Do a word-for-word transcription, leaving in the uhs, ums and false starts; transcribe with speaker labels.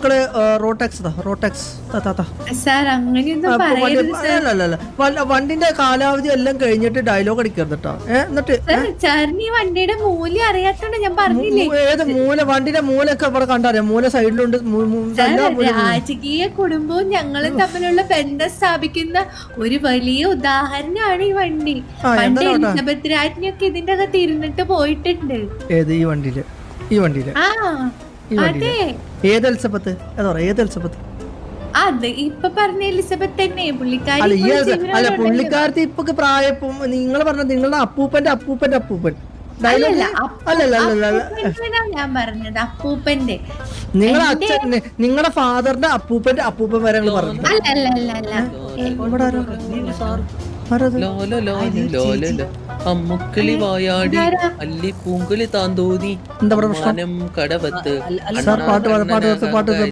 Speaker 1: മക്കള് റോട്ടാക്സ് റോട്ടാക്സ്
Speaker 2: സാർ അങ്ങനെയൊന്നും പറയരുത് സാർ.
Speaker 1: വണ്ടിന്റെ കാലാവധി എല്ലാം കഴിഞ്ഞിട്ട് ഡയലോഗ് അടിക്കരുത് കേട്ടോ. എന്നിട്ട്
Speaker 2: സാറിന് ഈ വണ്ടിയുടെ മൂല്യം അറിയാത്തോണ്ട് ഞാൻ പറഞ്ഞില്ലേ.
Speaker 1: ഏത് മൂല വണ്ടിന്റെ മൂലൊക്കെ ഇവിടെ കണ്ടറിയാം. മൂല സൈഡിലുണ്ട്.
Speaker 2: രാജകീയ കുടുംബവും ഞങ്ങളും തമ്മിലുള്ള ബന്ധം സ്ഥാപിക്കുന്ന ഒരു വലിയ ഉദാഹരണമാണ് ഈ വണ്ടി. പണ്ട് എലിസബത്ത് രാജ്ഞിയൊക്കെ ഇതിന്റെ അകത്ത് ഇരുന്നിട്ട് പോയിട്ടുണ്ട്.
Speaker 1: ഏത് ഈ വണ്ടിയില്? ഈ വണ്ടിയില്
Speaker 2: ആ അതെ.
Speaker 1: ഏത് എലിസബത്ത്? ഏതാ ഏത് എലിസബത്ത്?
Speaker 2: അത് ഇപ്പൊ പറഞ്ഞ എലിസബത്ത് തന്നെ. പുള്ളിക്കാരി
Speaker 1: അല്ല പുള്ളിക്കാരത്തി ഇപ്പൊ പ്രായം നിങ്ങൾ പറഞ്ഞ നിങ്ങളുടെ അപ്പൂപ്പന്റെ അപ്പൂപ്പന്റെ അപ്പൂപ്പൻ
Speaker 2: ഞാൻ പറഞ്ഞത് അപ്പൂപ്പന്റെ
Speaker 1: നിങ്ങളുടെ അച്ഛൻ നിങ്ങളുടെ ഫാദറിന്റെ അപ്പൂപ്പന്റെ അപ്പൂപ്പൻ വരെ പറഞ്ഞു.
Speaker 3: അമ്മുക്കിളി വായാടി അല്ലി പൂങ്കളി താന്തോന്നി
Speaker 1: എന്താ പ്രശ്നം?
Speaker 3: കടവത്ത്
Speaker 1: പാട്ട് പാട്ട് പാട്ട്